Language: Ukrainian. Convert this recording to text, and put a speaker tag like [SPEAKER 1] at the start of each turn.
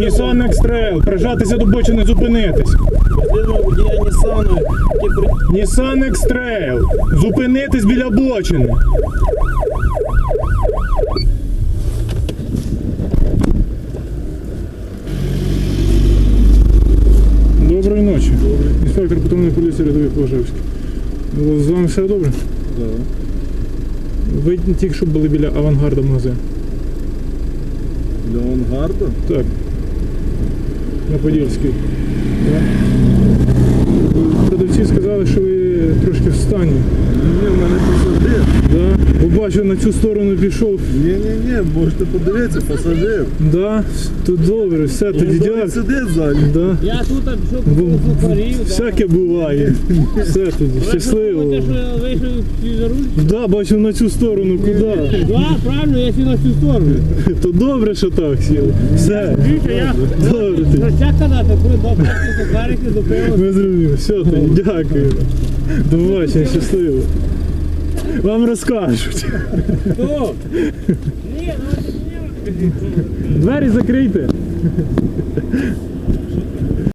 [SPEAKER 1] Nissan X-Trail, прижатися до бочини, зупинитись.
[SPEAKER 2] Можливо, водія Нісану, який
[SPEAKER 1] Nissan X-Trail, зупинитись біля бочини. Доброї ночі. Інспектор патрульної поліції рядовий Положевський. З вами все добре?
[SPEAKER 2] Так.
[SPEAKER 1] Ви тільки що були біля Авангарда магазину.
[SPEAKER 2] Для Авангарда?
[SPEAKER 1] Так. На Подільській. Так. Продавці сказали, що ви трошки в стані.
[SPEAKER 2] Ні, в мене пасажир.
[SPEAKER 1] Да. Побачив, на цю сторону пішов.
[SPEAKER 2] Ні, можете подивитися, пасажир.
[SPEAKER 1] Да. Тут добре, все, тоді дякую.
[SPEAKER 2] Сидить ззаді.
[SPEAKER 1] Да.
[SPEAKER 3] Я тут пішов по сухарів.
[SPEAKER 1] Всяке буває. Все тоді, щасливо.
[SPEAKER 3] Те, що я вийшов за руль.
[SPEAKER 1] Да, бачив на цю сторону, куди?
[SPEAKER 3] Да, правильно, я сів на цю сторону.
[SPEAKER 1] То добре, що так сіли. Все.
[SPEAKER 3] Дивіться, я
[SPEAKER 1] Добре тоді.
[SPEAKER 3] як казати, коли до сухарики зупинили.
[SPEAKER 1] Ми зрозуміли. Все тоді, дякую. До побачення, щасливо. Вам розкажуть.
[SPEAKER 3] Хто? Ні, ну
[SPEAKER 1] Двері закрийте.